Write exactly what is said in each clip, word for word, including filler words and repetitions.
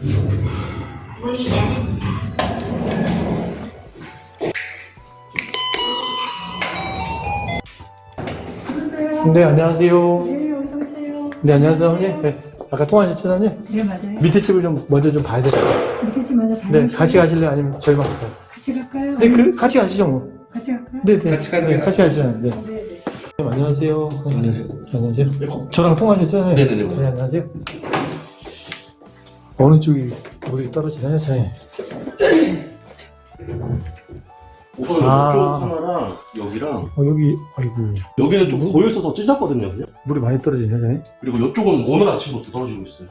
네, 안녕하세요. 네, 어서 오세요. 네, 안녕하세요, 사모님. 네, 아까 통화하셨죠, 사모님? 네, 맞아요. 밑에 집을 좀 먼저 좀 봐야 돼요. 밑에 집 먼저 다니시죠. 네, 같이 가실래요? 아니면 저희만 갈까요? 같이 갈까요? 네, 그, 같이 가시죠, 뭐. 같이 갈까요? 네, 네. 같이 가요. 네, 같이 가시죠. 네. 네, 네. 네, 안녕하세요. 안녕하세요. 안녕하세요. 저랑 통화하셨죠? 네. 네네네. 네, 안녕하세요. 어느 쪽이 물이 떨어지나요, 저희? 우선 아. 이쪽 하나랑 여기랑 어, 여기, 아이고. 여기는 좀 고여 있어서 찢었거든요, 그냥. 물이 많이 떨어지네요, 저희? 그리고 이쪽은 오늘 아침부터 떨어지고 있어요.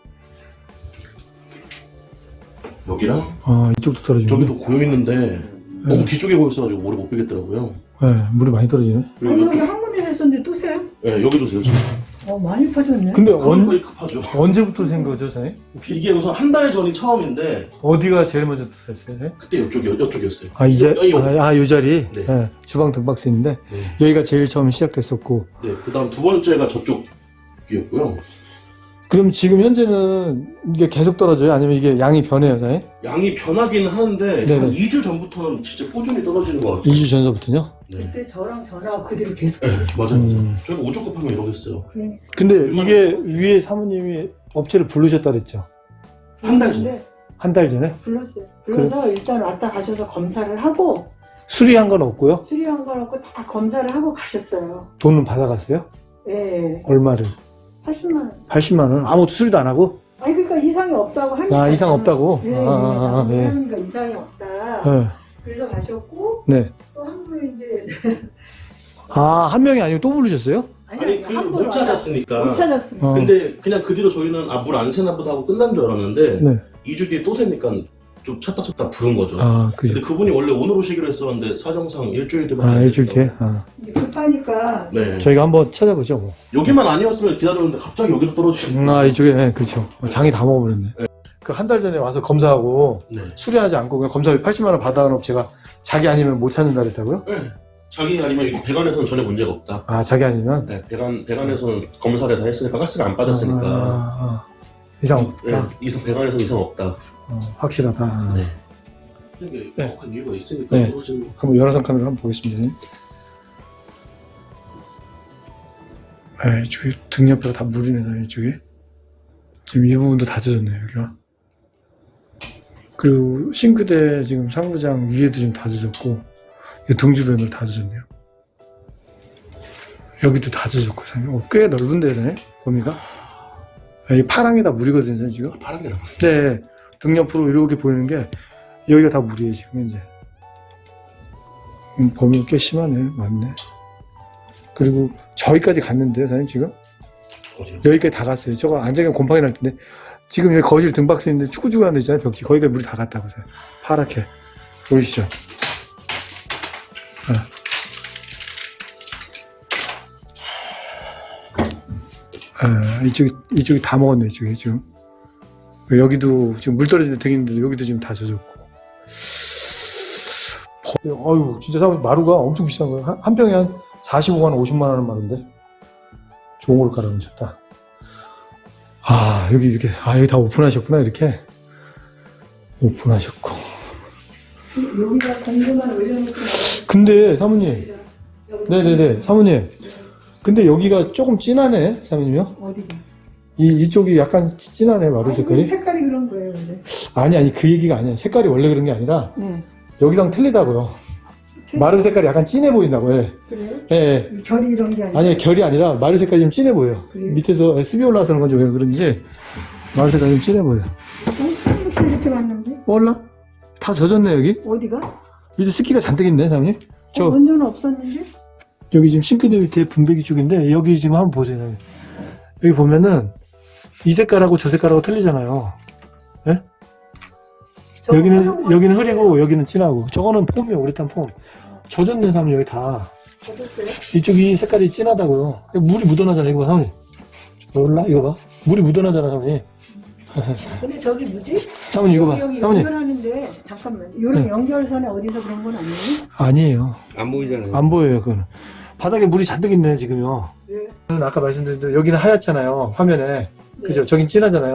여기랑 아, 이쪽도 떨어지네. 저기도 고여 있는데 너무 뒤쪽에 고여 있어가지고 모래 못 빼겠더라고요. 네, 물이 많이 떨어지네. 아니, 그리고 여기 여기, 한 군데 됐었는데 또 세요? 네, 여기도 세요 지금. 어, 많이 퍼졌네. 근데 언... 언, 급하죠. 언제부터 생 거죠, 저희? 이게 우선 한 달 전이 처음인데 어디가 제일 먼저 됐어요, 저희? 그때 이쪽이 이쪽이었어요. 아, 이제, 여기, 여기. 아, 아, 요 자리? 네. 네, 주방 등박스인데, 네. 여기가 제일 처음 시작됐었고, 네. 그다음 두 번째가 저쪽이었고요. 그럼 지금 현재는 이게 계속 떨어져요? 아니면 이게 양이 변해요, 사장님? 양이 변하긴 하는데 네네. 한 이 주 전부터는 진짜 꾸준히 떨어지는 것 같아요. 이 주 전서부터요? 네. 그때 저랑 전화 그대로 계속. 네, 맞아요. 음. 저희가 우주 급하면 이러겠어요. 그래. 근데 이게 위에 사모님이 업체를 부르셨다 그랬죠? 한 달 전. 근데 한 달 전에? 불렀어요. 불러서 일단 왔다 가셔서 검사를 하고 수리한 건 없고요? 수리한 거라고 다 검사를 하고 가셨어요. 돈은 받아갔어요? 네. 얼마를? 팔십만 원. 팔십만 원? 아무것도 수리도 안 하고? 아니, 그러니까 이상이 없다고 하니까. 아, 이상 없다고? 네, 아, 아, 아, 네. 네. 하니까 이상이 없다. 네. 그래서 가셨고, 네. 또 한 분이 이제. 아, 한 명이 아니고 또 부르셨어요? 아니 그 한 못 분 찾았으니까. 못 찾았습니다. 어. 근데 그냥 그 뒤로 저희는 아 물 안 새나 보다 하고 끝난 줄 알았는데 네. 이 주 뒤에 또 새니까 좀 찾다 찾다 부른 거죠. 아, 그죠. 근데 그분이 원래 오늘 오시기로 했었는데 사정상 일주일 뒤에 아, 일주일 뒤에? 아. 이제 급하니까. 네. 저희가 한번 찾아보죠, 뭐. 여기만 아니었으면 기다렸는데 갑자기 여기로 떨어지는 음, 아, 이쪽에, 네, 그렇죠. 장이 다 먹어버렸네. 그 한 달 전에 와서 검사하고 네. 수리하지 않고 그냥 검사비 팔십만 원 받아간 업체가 자기 아니면 못 찾는다 그랬다고요? 네. 자기 아니면 이거 배관에서는 전혀 문제가 없다. 아, 자기 아니면? 네, 배관 배관에서는 검사를 다 했으니까 가스가 안 빠졌으니까 아, 아, 이상 없다. 네, 이상 배관에서 이상 없다. 어, 확실하다. 네. 이게 네. 정확한 이유가 있으니까 네. 떨어지는 거. 그럼 열화상 카메라 한번 보겠습니다. 아, 이쪽에 등 옆에가 다 물이네, 이쪽에. 지금 이 부분도 다 젖었네요, 여기가. 그리고 싱크대 지금 상부장 위에도 지금 다 젖었고, 이 등 주변도 다 젖었네요. 여기도 다 젖었고, 어, 꽤 넓은데, 범위가? 이 파랑이 다 물이거든요, 지금. 파란 게 나와. 네, 등 옆으로 이렇게 보이는 게 여기가 다 물이에요 지금 현재. 음, 범위가 꽤 심하네, 맞네. 그리고 저기까지 갔는데요, 사장님 지금 어디요? 여기까지 다 갔어요. 저거 안장에 곰팡이 날 텐데 지금 여기 거실 등박스 있는데 축구주고 하는 데 있잖아요, 벽지. 거기가 물이 다 갔다고 해요. 파랗게 보이시죠? 네. 네, 이쪽이 이쪽이 다 먹었네, 이쪽이 지금. 여기도 지금 물 떨어지는 등인데 여기도 지금 다 젖었고. 어유 진짜 사람 마루가 엄청 비싼 거예요. 한, 한 평에 한 사십오만 원, 오십만 원 하는 마루인데 좋은 걸 깔아놓으셨다. 아, 여기 이렇게, 아, 여기 다 오픈하셨구나, 이렇게. 오픈하셨고. 여기다 공구만 올려놓고. 근데 사모님, 네네네, 사모님. 근데 여기가 조금 진하네, 사모님요? 어디가? 이 이쪽이 약간 찌- 진하네, 마루 아니, 색깔이. 색깔이 그런 거예요, 근데. 아니 아니 그 얘기가 아니야. 색깔이 원래 그런 게 아니라 네. 여기랑 틀리다고요. 마루 색깔이 약간 진해 보인다고. 예. 그래요? 예. 예. 결이 이런 게 아니라. 아니 결이 아니라 마루 색깔이 좀 진해 보여. 그래요? 밑에서 습이 올라와서 그런 건지 왜 그런지 마루 색깔이 좀 진해 보여. 어, 처음부터 이렇게 왔는데? 몰라? 다 젖었네 여기. 어디가? 밑에 습기가 잔뜩 있네 사장님. 저 어, 먼저는 없었는데? 여기 지금 싱크대 밑에 분배기 쪽인데 여기 지금 한번 보세요. 사장님. 여기 보면은 이 색깔하고 저 색깔하고 틀리잖아요. 예? 저거 여기는 하나만 여기는 있어요. 흐리고 여기는 진하고 저거는 폼이에요. 우레탄 폼. 젖었네 사장님 여기 다. 어땠어요? 이쪽이 색깔이 진하다고요. 물이 묻어나잖아, 이거 봐, 사모님. 몰라? 이거 봐. 물이 묻어나잖아, 사모님. 근데 저기 뭐지? 사모님, 이거 봐. 여기 사모님. 연결하는데 잠깐만. 요런 네. 연결선에 어디서 그런 건 아니에요? 아니에요. 안 보이잖아요. 안 보여요, 그거는. 바닥에 물이 잔뜩 있네, 지금요. 네. 아까 말씀드린 대로 여기는 하얗잖아요, 화면에. 그죠? 저긴 진하잖아요.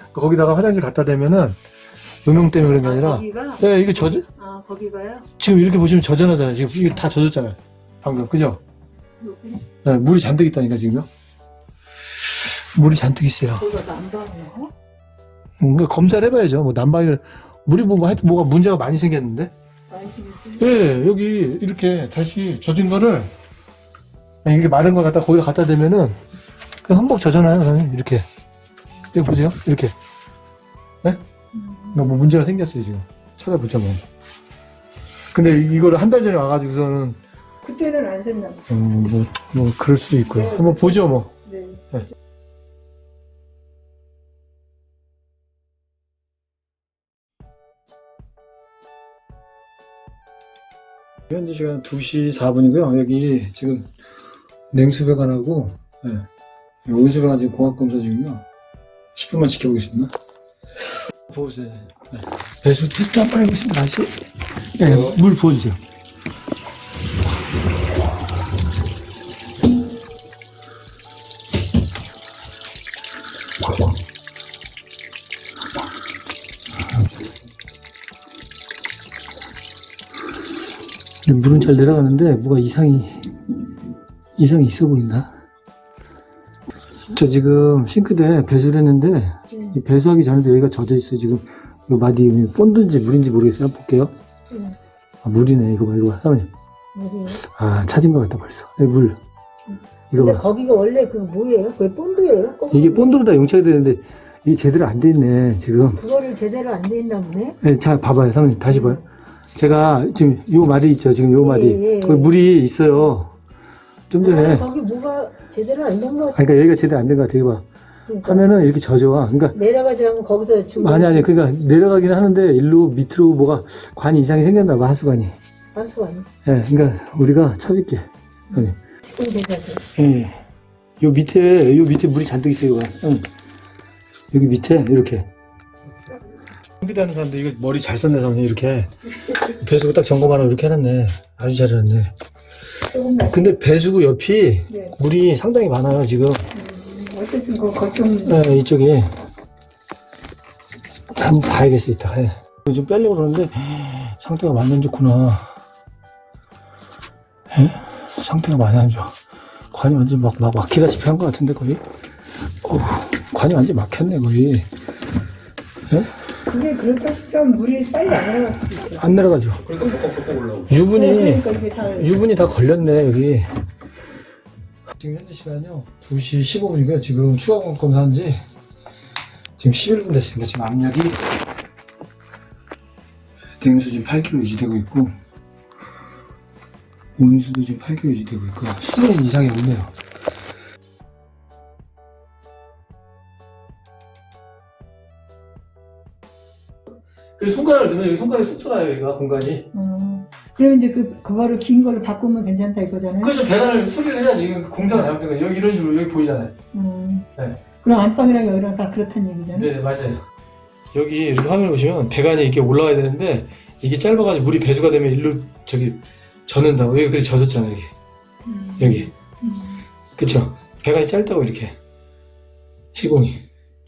거기다가 화장실 갖다 대면은 음용 때문에 그런 게 아, 아니라 거기가? 네, 이게 젖 아, 거기가요? 지금 이렇게 보시면 젖어나잖아요. 지금 이게 다 젖었잖아요. 방금 그죠? 여기? 네, 물이 잔뜩 있다니까 지금요. 물이 잔뜩 있어요. 거기가 난방이요? 음, 그러니까 검사를 해봐야죠. 뭐 난방을 물이 뭐 하여튼 뭐가 문제가 많이 생겼는데. 많이 생겼어요? 예, 여기 이렇게 다시 젖은 거를 이렇게 마른 걸 갖다 거기다 갖다 대면은 그냥 흠뻑 젖어나요. 그냥 이렇게. 여기 보세요. 이렇게. 네? 음. 그러니까 뭐 문제가 생겼어요 지금. 찾아보자 뭐. 근데 이거를 한 달 전에 와가지고서는 그때는 안 샜나 봐요. 음, 뭐, 뭐 그럴 수도 있고요. 한번 보죠 뭐. 네. 네. 현재 시간 두 시 사 분이고요. 여기 지금 냉수배관하고 네. 온수배관 지금 공합검사 중이요. 십 분만 지켜보겠습니다. 보세요. 네. 배수 테스트 한번 해보겠습니다. 다시. 네, 어. 물 부어주세요. 물은 잘 내려가는데 뭐가 이상이 이상이 있어 보인다. 저 지금 싱크대에 배수를 했는데 음. 이 배수하기 전에도 여기가 젖어 있어. 지금 이 마디 본드인지 물인지 모르겠어요. 한번 볼게요. 음. 아, 물이네. 이거 봐, 이거 봐. 사모님. 어디요? 아, 찾은 것 같다 벌써. 여기 물. 이거 근데 봐. 거기가 원래 그 뭐예요? 그게 본드예요? 꼭 이게 본드로 다 용착이 되는데 이게 제대로 안 돼 있네. 지금. 그거를 제대로 안 돼 있나 보네? 네, 자, 봐봐요. 사모님 다시 봐요. 제가 지금 요 마디 있죠. 지금 요 마디. 예, 예. 거기 물이 있어요. 좀 전에. 아, 거기 뭐가 제대로 안 된 것 같아. 그러니까 여기가 제대로 안 된 것 같아. 이거 봐. 그러니까. 하면은 이렇게 젖어와. 그러니까 내려가지 않고 거기서 중간 아니 아니 그러니까 내려가긴 하는데 일로 밑으로 뭐가 관이 이상이 생겼나 봐. 하수관이. 하수관이 예, 그러니까 우리가 찾을게. 네. 지금 대사죠. 예. 요 밑에 요 밑에 물이 잔뜩 있어요. 이거. 응. 여기 밑에 이렇게. 컴퓨터하는 사람들 이거 머리 잘 썼네. 사람들 이렇게 배수구 딱 점검하라고 이렇게 해놨네. 아주 잘해놨네. 조금만. 근데 배수구 옆이 네. 물이 상당히 많아요 지금. 음, 어쨌든 그 거점 예, 이쪽에 한번 봐야겠어 이따가. 예. 이거 좀 빼려고 그러는데 상태가 많이 안 좋구나. 예? 상태가 많이 안 좋아. 관이 완전 막, 막 막히다시피 한 것 같은데 거의. 어우, 관이 완전 막혔네 거의. 예? 근데 그럴까 싶으면 물이 빨리 안 내려갈 수도 있어요. 안 내려가죠. 그러니까 뻑뻑뻑뻑 올라오고. 유분이 그러니까 이게 잘 유분이 다 걸렸네 여기. 지금 현재 시간이요 두 시 십오 분이고요. 지금 추가 검사한 지 지금 십일 분 됐습니다. 지금 압력이 냉수 지금 팔 킬로그램 유지되고 있고 온수도 지금 팔 킬로그램 유지되고 있고 수도는 이상이 없네요. 그래서 손가락을 넣으면 여기 손가락이 쑥 들어가요. 여기가 공간이. 음. 그러면 이제 그 그거를 긴 걸로 바꾸면 괜찮다 이거잖아요. 그래서 배관을 수리를 해야지. 이건 공사가 잘못된 거예요. 여기 이런 식으로 여기 보이잖아요. 음. 네. 그럼 안방이랑 여기랑 다 그렇다는 얘기잖아요. 네, 맞아요. 여기 이렇게 화면을 보시면 배관이 이렇게 올라가야 되는데 이게 짧아가지고 물이 배수가 되면 일로 저기 젖는다고. 여기 그래 젖었잖아요. 여기. 음. 여기. 음. 그쵸? 배관이 짧다고 이렇게. 시공이.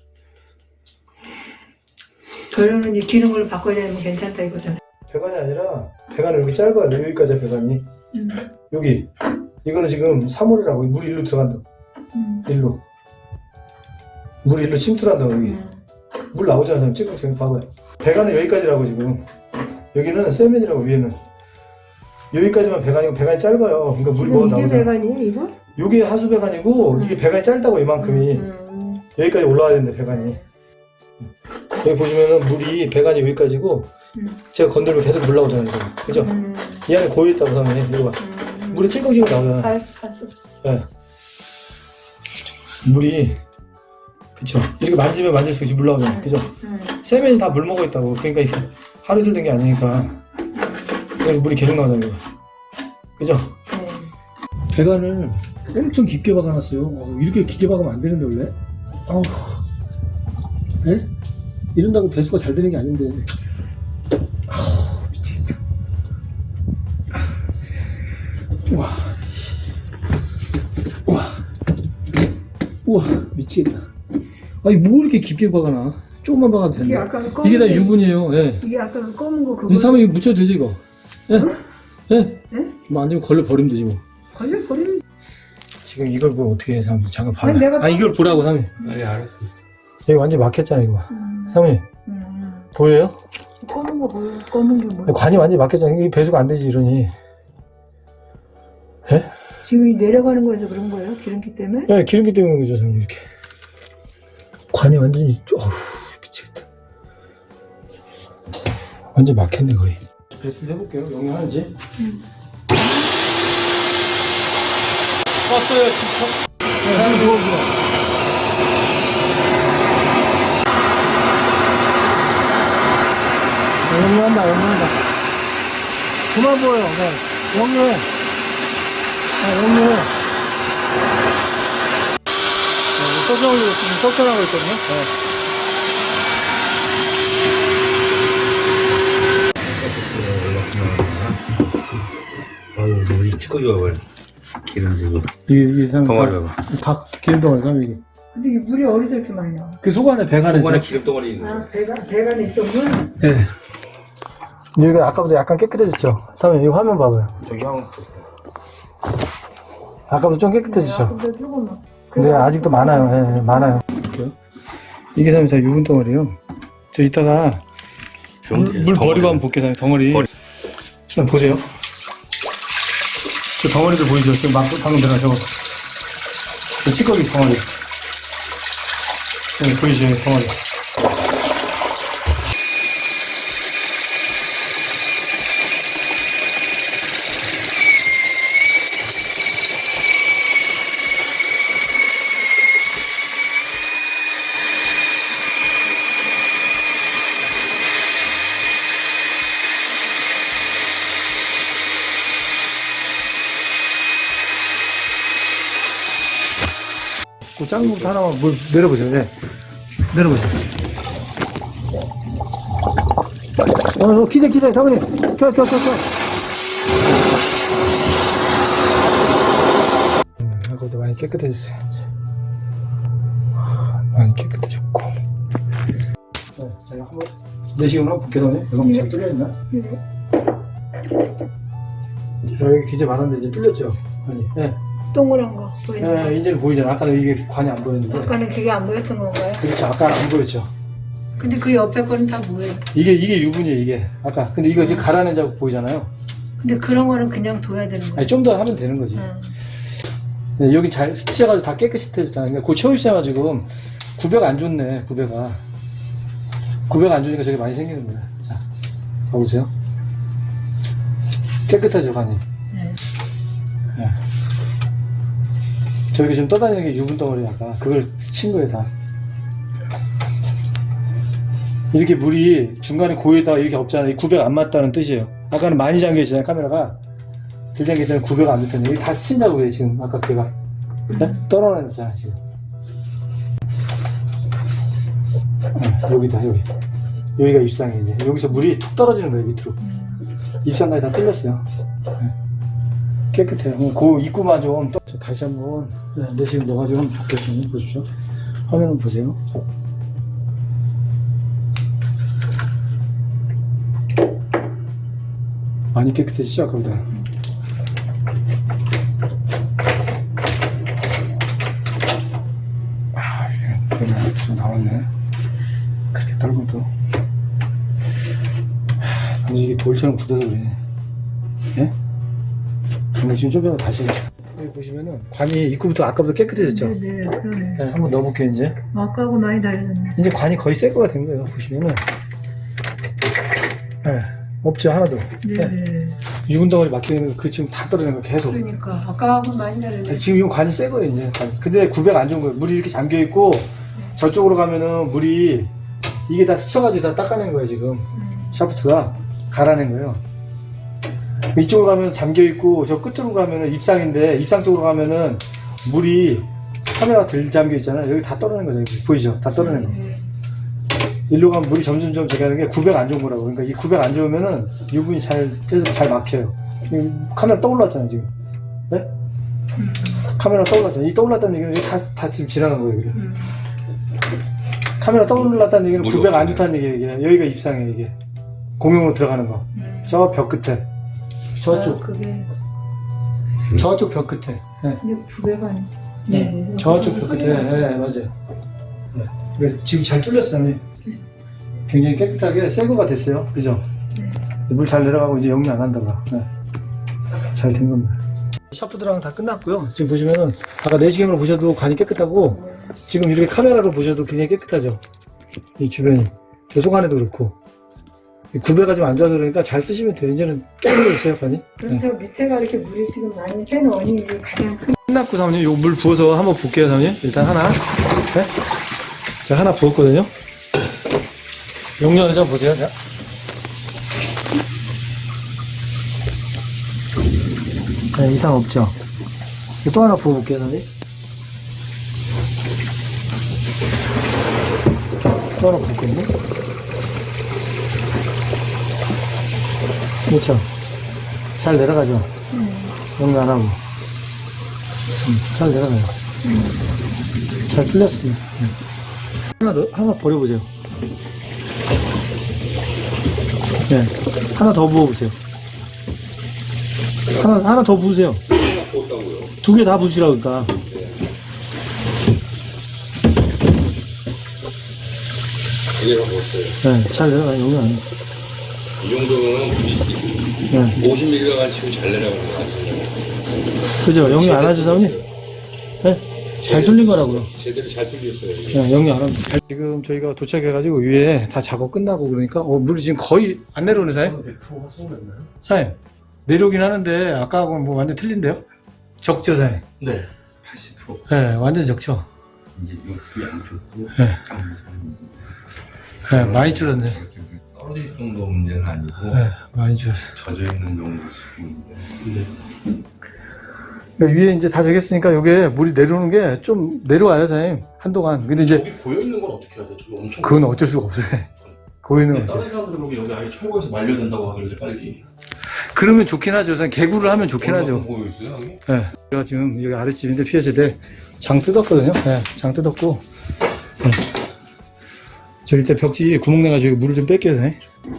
그러면 이제 기는 걸로 바꿔야 되면 괜찮다 이거잖아요. 배관이 아니라 배관이 여기 짧아요. 여기까지야 배관이. 음. 여기. 이거는 지금 삼 홀이라고. 물이 일로 들어간다고. 음. 일로. 물이 일로 침투한다고 여기. 음. 물 나오잖아요. 지금 지금 봐봐요. 배관은 여기까지라고 지금. 여기는 세면이라고 위에는. 여기까지만 배관이고 배관이 짧아요. 그러니까 물이 뭐 지금 이게 나오잖아. 배관이에요 이거? 요게 하수 배관이고 음. 이게 배관이 짧다고 이만큼이. 음. 여기까지 올라와야 되는데 배관이. 여기 보시면은 물이 배관이 여기까지고 음. 제가 건들면 계속 물 나오잖아요. 지금. 그죠? 음. 이 안에 고여있다고 하면 이거 봐. 음. 물이 찔끔찔끔 나오잖아. 갈, 갈 수 없어. 예. 물이 그쵸. 이렇게 만지면 만질수록 이제 물 나오잖아. 그죠? 음. 세면이 다 물 먹어 있다고. 그러니까 이게 하루 이틀 된 게 아니니까. 그래서 물이 계속 나오잖아요. 이거. 그죠? 네. 배관을 엄청 깊게 박아놨어요. 어, 이렇게 깊게 박으면 안 되는데 원래. 아우. 예? 이런다고 배수가 잘 되는 게 아닌데. 아우, 미치겠다. 우와. 우와. 우와, 미치겠다. 아니, 뭐 이렇게 깊게 박아놔. 조금만 박아도 이게 된다. 아까 검은 이게 다 게- 유분이에요. 예. 이게 아까 그 검은 거 그거. 이 사람이 이거 묻혀도 되지 이거. 예? 예? 예? 뭐 안 되면 걸려 버리면 되지 뭐. 걸려 버리면. 지금 이걸 뭐 어떻게 해서 한번 잠깐 봐라. 아니, 내가- 아 이걸 보라고 사모님. 아니 알았어. 여기 완전 막혔잖아 이거. 음, 사모님 음. 보여요? 검은 거 보여. 검은 게 뭐야? 관이 완전 막혔잖아. 이게 배수가 안 되지 이러니. 예? 지금 이 내려가는 거에서 그런 거예요? 기름기 때문에? 예, 기름기 때문에 그러죠 사모님 이렇게. 관이 완전히 어휴 미치겠다. 완전 막혔네 거의. 배수를 해볼게요. 영향하는지. 음. 왔어요 진짜. 네, 사장님 누워주세요. 영유한다, 영유한다. 그만 보여, 네. 영유해. 아, 영유해. 네, 소정으로 지금 섭선하고 있거든요. 네. 아유 너무 찌꺼기가 왜 기름 지고 이게, 이게 참. 덩어리 다, 봐봐. 다 기름덩어리, 참, 이게. 근데 이 물이 어디서 이렇게 많이 나와? 그 속 안에, 배 안에. 속안에 있어요. 기름 덩어리 있는 아, 거. 배가, 배가 있던 물? 네. 여기가 아까보다 약간 깨끗해졌죠? 사장님, 이 화면 봐봐요. 저기 형 아까보다 좀 깨끗해졌죠? 근데 조금만. 근데 아직도 많아요. 예, 예, 많아요. 이게 사람이 다 유분 덩어리요. 저 이따가 물, 물 버리고 한번 볼게요. 사장님, 덩어리. 버리- 일단 보세요. 저 덩어리들 보이죠? 지금 막, 방금 들어가 저거. 저 찌꺼기 덩어리. 네, 보이죠? 덩어리. 그 작은 것부터 하나만 물 내려보세요. 네. 내려보세요. 어, 어, 기재, 기재, 사모님. 켜, 켜, 켜, 켜. 음, 아까보다 많이 깨끗해졌어요. 많이 깨끗해졌고. 네, 제가 한번 내시경을 한번 볼게요, 사모님. 이거 한번 잘 뚫려있나? 네. 여기 기재 많았는데 이제 뚫렸죠? 아니, 예. 동그란 거 보이는 거. 네, 이제는 보이잖아. 아까는 이게 관이 안 보였는데. 아까는 그게 안 보였던 건가요? 그렇죠. 아까는 안 보였죠. 근데 그 옆에 거는 다 뭐예요? 이게, 이게 유분이에요, 이게. 아까. 근데 이거 지금 갈아낸 자국 보이잖아요. 근데 그런 거는 그냥 둬야 되는 거예요? 아니, 좀 더 하면 되는 거지. 응. 네, 여기 잘 스치해가지고 다 깨끗해졌잖아요. 그러니까 그 채우시잖아, 지금. 구배가 안 좋네, 구배가. 구배가 안 좋으니까 저게 많이 생기는 거야. 자, 봐보세요. 깨끗하죠, 간이. 네. 네. 저기 좀 떠다니는 게 유분 덩어리 아까. 그걸 스친 거예요, 다. 이렇게 물이 중간에 고에다가 이렇게 없잖아요. 이 구배가 안 맞다는 뜻이에요. 아까는 많이 잠겨 있잖아요, 카메라가. 들 잠겨 있을 때는 구배가 안 됐더니 여기 다 스친다고 그래, 지금. 아까 걔가. 네? 떨어내잖아, 지금. 네, 여기다, 여기. 여기가 입상이 이제. 여기서 물이 툭 떨어지는 거예요, 밑으로. 입상까지 다 뚫렸어요. 네. 깨끗해요. 그럼 그 입구만 좀. 떠... 저 다시 한번, 네, 내시경 넣어가지고 한번 볼게요. 보십시오. 화면 한번 보세요. 많이 깨끗해지죠, 아까보다. 아, 이게 그냥 좀 나왔네. 그렇게 떨고도. 하, 근데 이게 돌처럼 굳어서 그래. 예? 근데 지금 좀 전에 다시. 여기 보시면은 관이 입구부터 아까보다 깨끗해졌죠? 네네, 그러네. 네, 한번 넣어볼게요, 이제. 아까하고 많이 다르네. 이제 관이 거의 새 거가 된 거예요, 보시면은. 네, 없죠, 하나도. 네. 네네. 유분 덩어리 막히는 거, 그 지금 다 떨어지는 거 계속. 그러니까 아까하고 많이 다르네. 지금 이 관이 새 거예요, 이제. 관. 근데 구배가 안 좋은 거예요. 물이 이렇게 잠겨 있고, 저쪽으로 가면은 물이, 이게 다 스쳐가지고 다 닦아낸 거예요, 지금. 음. 샤프트가. 갈아낸 거예요. 이쪽으로 가면 잠겨 있고, 저 끝으로 가면은 입상인데, 입상 쪽으로 가면은 물이 카메라가 들 잠겨 있잖아요. 여기 다 떨어낸 거죠. 여기. 보이죠? 다 떨어낸 거. 네. 일로 가면 물이 점점점 저기 하는 게 구배가 안 좋은 거라고. 그러니까 이 구배가 안 좋으면은 유분이 잘, 쪄서 잘 막혀요. 이 카메라 떠올랐잖아, 지금. 네? 음. 카메라 떠올랐잖아. 이 떠올랐다는 얘기는 다, 다 지금 지나간 거예요, 여기를. 음. 카메라 떠올랐다는 얘기는 무료. 구백 안 좋다는 얘기예요. 이게. 여기가 입상이에요, 이게. 공용으로 들어가는 거. 음. 저 벽 끝에. 저쪽. 아, 그게 저쪽 벽 끝에. 네. 근데 구백은 안. 네. 저쪽 벽 끝에. 네, 맞아요. 네. 이거 지금 잘 뚫렸어요. 네. 굉장히 깨끗하게 새거가 됐어요. 그죠? 네. 물 잘 내려가고 이제 역류 안 한다가. 네. 잘 된 겁니다. 샤프드랑 다 끝났고요. 지금 보시면은 아까 내시경으로 보셔도 간이 깨끗하고 지금 이렇게 카메라로 보셔도 굉장히 깨끗하죠. 이 주변이. 저 속안에도 그렇고. 이 구배가 좀 안 좋아서 그러니까 잘 쓰시면 돼요. 이제는 깨끗해졌어요, 간이. 네. 그런데 밑에가 이렇게 물이 지금 많이 새는 원인이 가장 큰. 끝났고 사모님 요 물 부어서 한번 볼게요, 사모님. 일단 하나. 네? 자, 하나 부었거든요. 용량을 좀 보세요. 자. 네, 이상 없죠. 또 하나 부어볼게요, 사모님. 또 하나 부었거든요. 그렇죠. 잘 내려가죠. 음. 용량 안 하고. 음, 잘 내려가요. 잘 뚫렸습니다. 네. 하나 더, 하나 버려보세요. 네. 하나 더 부어보세요. 하나, 하나 더 부으세요. 두 개 다 부으시라고, 그러니까. 이게가 뭐였어요? 네, 잘 내려가요. 용량 안 해요. 이 정도면 네. 오십 밀리가 치고 잘 내려가는 거 같아요. 그죠? 용량 안 하죠, 사모님? 네? 잘 뚫린 거라고요. 제대로 잘 뚫렸어요. 이게. 네, 영리 안 합니다. 지금 저희가 도착해가지고 위에 다 작업 끝나고 그러니까 어, 물이 지금 거의 안 내려오네, 사장님? 백 퍼센트가 쏘였나요? 사장님, 내려오긴 하는데 아까하고는 뭐 완전 틀린데요? 적죠, 사장님? 네. 팔십 퍼센트. 네, 완전 적죠? 이제 욕이 안 좋고. 네. 네, 많이 줄었네. 떨어질 정도 문제는 아니고. 네, 많이 줄었어요. 젖어 있는 정도 수준인데. 그러니까 위에 이제 다 적였으니까 여기에 물이 내려오는 게 좀 내려와요, 사장님. 한동안. 근데 이제 저기 고여있는 건 어떻게 해야 돼? 저기 엄청. 그건 어쩔 수가 없어요. 고이는 근데 어쩔 다른 수. 사람들은 여기, 여기 아예 철거해서 말려야 된다고 하길래 빨리. 그러면 좋긴 하죠. 사장님. 개구를 하면 좋긴 하죠. 보고 있어요, 여기? 네. 제가 지금 여기 아랫집인데 피해세대 장 뜯었거든요. 네, 장 뜯었고. 네. 저 일단 벽지 구멍 내가지고 물을 좀 뺄게요. 네.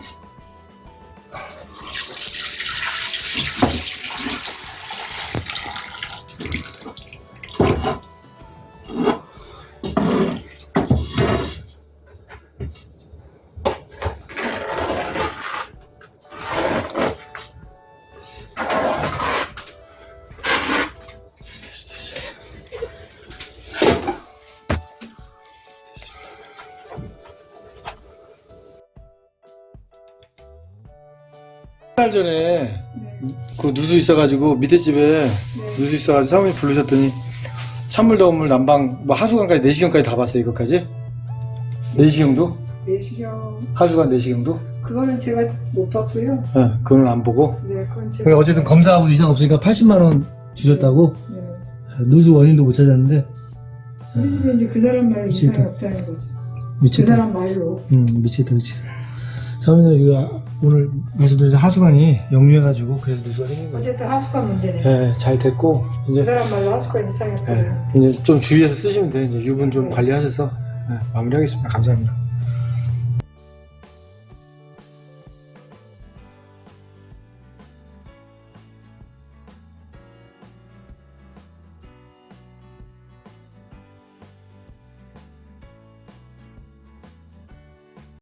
한 달 전에 네. 그 누수 있어가지고 밑에 집에 네. 누수 있어가지고 사모님 부르셨더니 찬물 더운 물 난방 뭐 하수관까지 내시경까지 다 봤어요. 이것까지 내시경도 내시경 하수관 내시경도 그거는 제가 못 봤고요. 네, 그건 안 보고 네, 그건 제가. 그러니까 어쨌든 검사하고 이상 없으니까 팔십만 원 주셨다고. 네. 누수 원인도 못 찾았는데 그래서 이제 그 사람 말로 미치겠다. 이상이 없다는 거지. 그 미치겠다. 사람 말로. 음 미치겠다 미치겠다. 사모님 이거 오늘 말씀드린 하수관이 역류해가지고 그래서 누수가 생긴 거예요. 어쨌든 하수관 문제네. 네, 잘 됐고 그 이제 사람 말로 하수관 이상이 네, 없다는. 이제 좀 주의해서 쓰시면 돼요. 이제 유분 좀 관리하셔서 네, 마무리하겠습니다. 감사합니다.